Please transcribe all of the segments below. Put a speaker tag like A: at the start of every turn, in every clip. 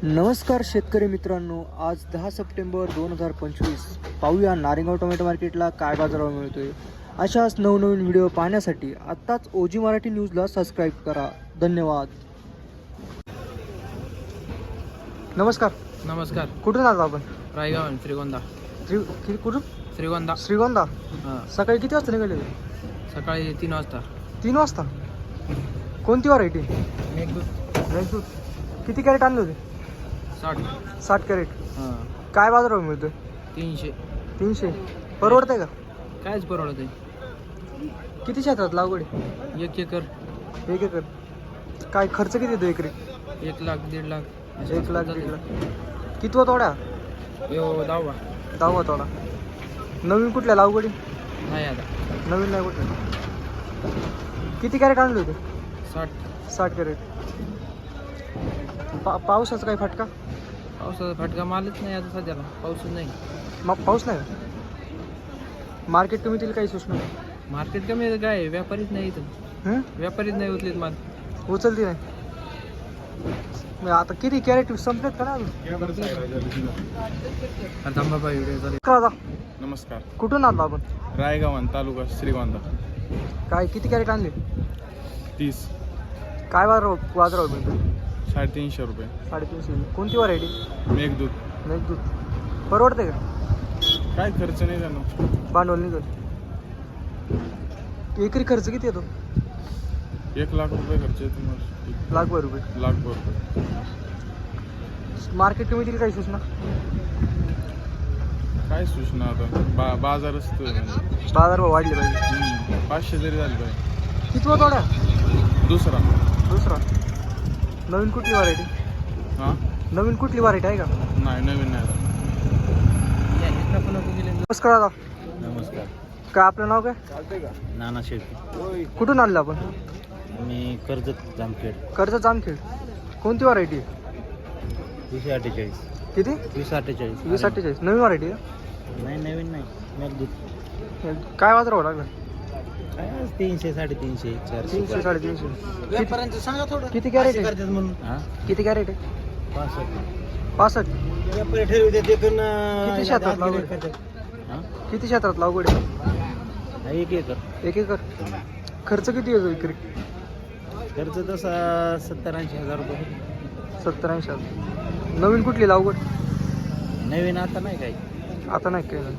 A: नमस्कार शेतकरी मित्रांनो, आज 10 सप्टेंबर 2025 पाहूया नारेगाव टोमॅटो मार्केटला काय बाजारभाव मिळतोय। अशाच नवनवीन व्हिडिओ पाहण्यासाठी आत्ताच ओजी मराठी न्यूजला सबस्क्राईब करा। धन्यवाद। नमस्कार।
B: नमस्कार।
A: कुठून आलो आपण?
B: रायगाव श्रीगोंदा।
A: कुठून?
B: श्रीगोंदा।
A: श्रीगोंदा।
B: हां,
A: सकाळी किती वाजता निघाले?
B: सकाळी 3 वाजता।
A: 3 वाजता। कोणती व्हरायटी?
B: मेघदूत।
A: किती कॅरेट आणले होते? 60 कॅरेट।
B: हां,
A: काय बाजारभाव मिळतोय?
B: 300।
A: 300। परवडतंय का?
B: कायच परवडत आहे।
A: किती क्षेत्रात लागवड आहे?
B: 1 एकर।
A: 1 एकर। काय खर्च किती येतो एकरी?
B: 1 लाख 1.5 लाख।
A: 1 लाख 1.5 लाख। कितवा तोडा?
B: यो 10वा।
A: 10वा तोडा। नवीन कुठल्या लागवडी?
B: नाही आता।
A: नवीन नाही कुठल्या? किती कॅरेट आणले होते? 60 कॅरेट। पावसाचा काही फटका?
B: पावसाचा फटका मालच नाही आता सध्याला। पाऊसच नाही।
A: मग पाऊस नाही का? मार्केट कमी येतील काही सूचना?
B: मार्केट कमी आहे काय? व्यापारीच नाही इथं। व्यापारीच नाही उचलीत माल।
A: उचलती नाही? मग आता किती कॅरेट संपलेत का ना?
B: थांबा व्हिडिओ।
C: नमस्कार।
A: कुठून आलो आपण?
C: रायगाव तालुका श्रीगोंदा।
A: काय किती कॅरेट आणले?
C: 30।
A: काय बाजारभाव मिळतो?
C: 350 रुपये।
A: 350। कोणती व्हरायटी?
C: मेघदूत।
A: परवडते का?
C: काय खर्च नाही जाणार।
A: भांडवल निघत? एकरी खर्च किती येतो?
C: 1 लाख रुपये खर्च येतो मग।
A: लाखभर रुपये।
C: लाखभर रुपये।
A: मार्केट कमी दिली काही सूचना?
C: काय सूचना आता बाजारच तर म्हणजे।
A: बाजारभाव वाढले पाहिजे।
C: 500 जरी झाले पाहिजे।
A: कितवा तोडा?
C: दुसरा।
A: नवीन कुठली व्हरायटी?
C: हां,
A: नवीन कुठली व्हरायटी आहे का?
C: नाही नवीन नाही।
A: नमस्कार दादा।
B: नमस्कार।
A: काय आपलं नाव काय?
B: नाना शेळके।
A: कुठून आणलं आपण?
B: मी कर्जत जामखेड।
A: जामखेड। कोणती व्हरायटी?
B: 248।
A: किती?
B: 248।
A: 2048। नवीन व्हरायटी आहे?
B: नाही नवीन नाही, मेघदूत।
A: काय बाजारभाव लागला?
B: काय 300 350 400।
A: 300 350।
B: व्यापाऱ्यांचं सांगा थोडं।
A: किती कॅरेट आहे?
B: करतात म्हणून। हां,
A: किती कॅरेट आहे?
B: 65।
A: 65।
B: व्यापारी ठेवते ते पण
A: किती क्षेत्रात लागवड?
B: हां,
A: किती क्षेत्रात लागवड आहे?
B: 1 एकर।
A: 1 एकर। खर्च किती येतो एकरी?
B: खर्च तसा 70-80 हजार रुपये।
A: 70-80 हजार। नवीन कुठली लागवड?
B: नवीन आता नाही काही।
A: आता नाही काय?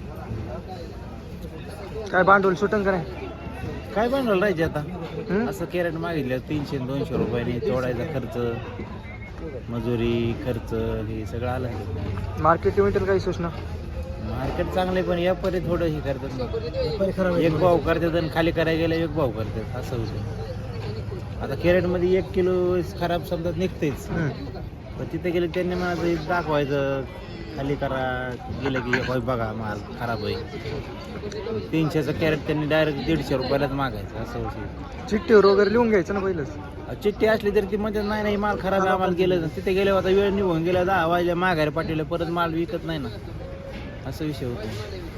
A: काय भांडवल सुटन का नाही?
B: काय बनवलं राहायचे आता?
A: हं?
B: असं कॅरेट मागितलं 300-200 रुपयाने तोडायचा खर्च, मजुरी खर्च, हे सगळं आलं।
A: मार्केट कमिटीला काही सूचना?
B: मार्केट चांगले पण व्यापारी थोडं हे करतात। एक भाव करतात आणि खाली करायला गेलं 1 भाव करतात, असं होतं। आता कॅरेटमध्ये 1 किलो खराब समजा निघतेच, पण तिथे गेले त्यांनी मला दाखवायचं, खाली करा, गेलं की एक बघा माल खराब होईल। 300चं कॅरेट त्यांनी डायरेक्ट 150 रुपयालाच मागायचं, असं होतं।
A: चिठ्ठीवर वगैरे लिहून घ्यायचं ना पहिलंच?
B: चिठ्ठी असली तरी ती म्हणजे नाही माल खराब आहे आम्हाला गेलं, तिथे गेले आता वेळ निघून गेला 10 वाजल्या माघारी पाठवलं, परत माल विकत नाही ना, असा विषय होतो।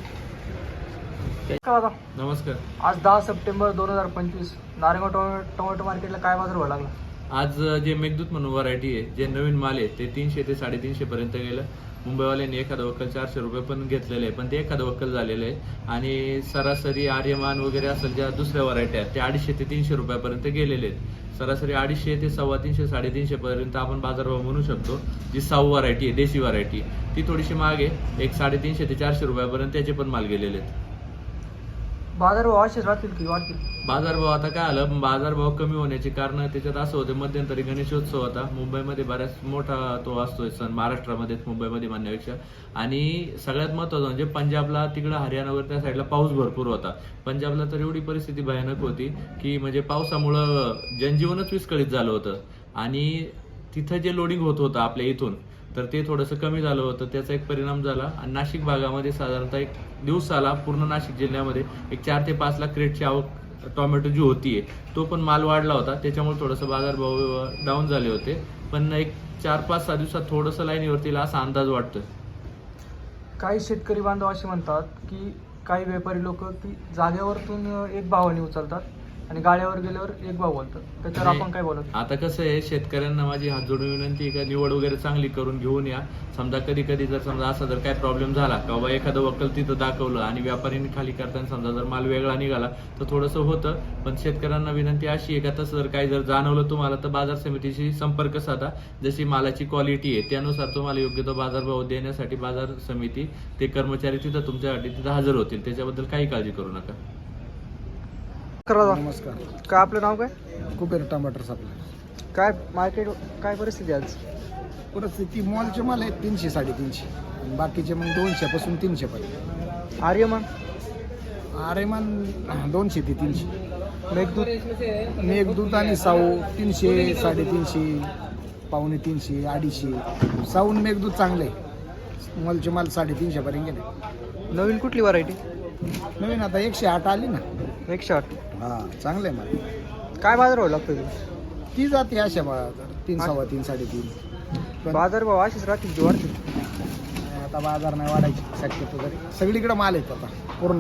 C: नमस्कार।
A: आज 10 सप्टेंबर 2025 नारेगाव टोमॅटो मार्केटला काय बाजारभाव लागला?
D: आज जे मेघदूत म्हणून व्हरायटी आहे, जे नवीन माल आहे, ते 300 ते 350 पर्यंत गेलं। मुंबईवाल्यांनी एखादं वक्कल 400 रुपये पण घेतलेले आहे, पण ते एखादं वक्कल झालेलं आहे। आणि सरासरी आर्यमान वगैरे असेल ज्या दुसऱ्या व्हरायटी आहेत, त्या 250 ते 300 रुपयापर्यंत गेलेले आहेत। सरासरी 250 ते 350 350 पर्यंत आपण बाजारभाव म्हणू शकतो। जी साऊ व्हरायटी आहे, देशी व्हरायटी, ती थोडीशी महाग आहे। 350 ते 400 रुपयापर्यंत त्याचे पण माल गेलेले आहेत।
A: बाजारभाव असेच राहतील की वाढतील?
D: बाजारभाव आता काय आलं, बाजारभाव कमी होण्याची कारण त्याच्यात असं होतं, मध्यंतरी गणेशोत्सव होता मुंबईमध्ये, बऱ्याच मोठा तो असतोय सण, महाराष्ट्रामध्ये मुंबईमध्ये म्हणण्यापेक्षा। आणि सगळ्यात महत्त्वाचं म्हणजे पंजाबला, तिकडं हरियाणा वगैरे त्या साईडला पाऊस भरपूर होता। पंजाबला तर एवढी परिस्थिती भयानक होती की म्हणजे पावसामुळं जनजीवनच विस्कळीत झालं होतं। आणि तिथं जे लोडिंग होत होतं आपल्या इथून, तर ते थोडंसं कमी झालं होतं, त्याचा एक परिणाम झाला। आणि नाशिक भागामध्ये साधारणतः एक दिवसाला पूर्ण नाशिक जिल्ह्यामध्ये 4 ते 5 लाख क्रेटची आवक टोमॅटो जी होतीये, तो पण माल वाढला होता, त्याच्यामुळे थोडंसं बाजारभाव डाऊन झाले होते। पण एक 4-5-6 दिवसात थोडंसं लाईनीवरती असा अंदाज वाटतोय।
A: काही शेतकरी बांधव असे म्हणतात की काही व्यापारी लोक की जागेवरतून एक भावाने उचलतात आणि गाड्यावर गेल्यावर एक भाव बोलतात, त्याच्यावर आपण काय बोलत?
D: आता कसं आहे, शेतकऱ्यांना माझी हात जोडून विनंती आहे का निवड वगैरे चांगली करून घेऊन या. समजा कधी कधी जर समजा असा जर काय प्रॉब्लेम झाला का बाबा एखादं वक्कल तिथं दाखवलं आणि व्यापाऱ्यांनी खाली करताना समजा जर माल वेगळा निघाला तर थोडंसं होतं. पण शेतकऱ्यांना विनंती अशी आहे का तसं जर काही जर जाणवलं तुम्हाला तर बाजार समितीशी संपर्क साधा. जशी मालाची क्वालिटी आहे त्यानुसार तुम्हाला योग्य तो बाजारभाव देण्यासाठी बाजार समिती ते कर्मचारी तिथं तुमच्यासाठी तिथं हजर होतील. त्याच्याबद्दल काही काळजी करू नका.
A: नमस्कार. काय आपलं नाव काय?
E: कुबेर टमाटर सप्लाय.
A: काय मार्केट, काय परिस्थिती आज?
E: परिस्थिती मॉलचे माल आहेत 300 350 आणि बाकीचे मग 200 पासून 300 पर्यंत.
A: आर्यमान,
E: आरेमान 200 ते 300.
A: मेघदूत,
E: मेघदूत आणि साऊ 300 350 पावणे 300 250. साऊन मेघदूत चांगले मॉलचे माल 350 पर्यंत गेले.
A: नवीन कुठली व्हरायटी?
E: नवीन आता 108 आली ना.
A: 108.
E: हां चांगले माल.
A: काय बाजार भाव लागतो?
E: ती जाते अशा 3 सव्वा 3 3.5. पण
A: बाजार भाव असेच राहतील की वाढतील?
E: आता बाजार नाही वाढायची शक्यतो तरी. सगळीकडे माल आहेत आता पूर्ण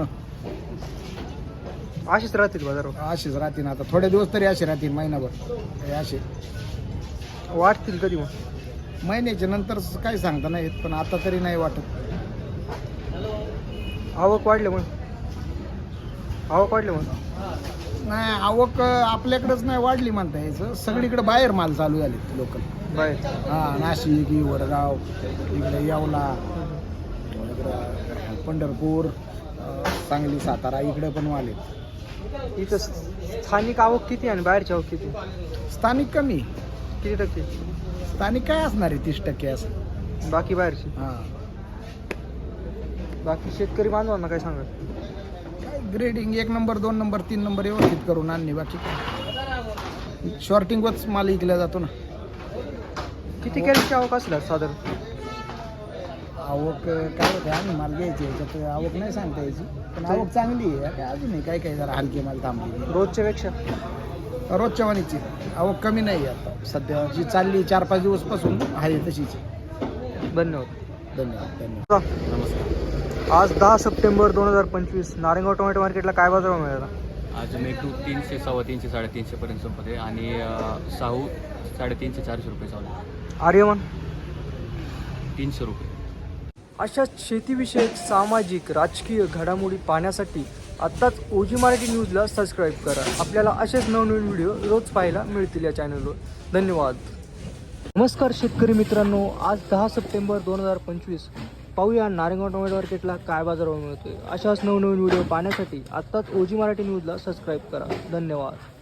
A: असेच राहतील बाजार भाव?
E: असेच राहतील. आता थोडे दिवस तरी असे राहतील, महिनाभर हे असे.
A: वाढतील कधी मग?
E: महिन्याच्या नंतर काही सांगता नाही येत, पण आता तरी नाही वाटत.
A: आवक वाढले मग? आवक वाढले मग?
E: नाही आवक आपल्याकडेच नाही वाढली म्हणता यायचं, सगळीकडे बाहेर माल चालू झाले लोकल.
A: बाहेर?
E: हां नाशिक, वडगाव, इकडे येवला, इकडं पंढरपूर, सांगली, सातारा इकडे पण माल आहेत.
A: इथं स्थानिक आवक किती आणि बाहेरची आवक किती?
E: स्थानिक कमी.
A: किती टक्के?
E: स्थानिक काय असणार आहे 30% असं.
A: बाकी बाहेरची?
E: हां
A: बाकी शेतकरी बांधवांना काय सांगा?
E: काय ग्रेडिंग 1 नंबर 2 नंबर 3 नंबर व्यवस्थित करून आणणे, बाकी काय शॉर्टिंगवरच माल विकला जातो ना.
A: किती कॅरेटची आवक असेल साधारण?
E: आवक काय होते, आम्ही माल घ्यायची याच्यात आवक नाही सांगता यायची, पण आवक चांगली आहे. काय अजूनही काय काय जरा हलके माल थांबले.
A: रोजच्या पेक्षा
E: रोजच्या वाणीची आवक कमी नाही आहे आता सध्या, जी चालली 4-5 दिवसपासून आहे तशीच.
A: धन्यवाद.
E: धन्यवाद धन्यवाद.
A: आज 10 सप्टेंबर 2025 नारायणगाव टोमॅटो मार्केटला काय बाजार मिळाला?
F: आज मेघदूत 300 सव्वा 300 350 पर्यंत संपते आणि साहू 350 400 रुपये चालू.
A: आर्यमान
F: 300 रुपये.
A: अशा शेतीविषयक सामाजिक राजकीय घडामोडी पाहण्यासाठी आत्ताच ओजी मराठी न्यूजला सबस्क्राईब करा. आपल्याला असेच नवनवीन व्हिडिओ रोज पाहायला मिळतील या चॅनलवर. धन्यवाद. नमस्कार शेतकरी मित्रांनो, आज 10 सप्टेंबर 2025 पाहूया नारायणगाव टोमॅटो मार्केटला काय बाजारभाव मिळतोय. अशाच नवनवीन व्हिडिओ पाहण्यासाठी आत्ताच ओजी मराठी न्यूजला सबस्क्राईब करा. धन्यवाद.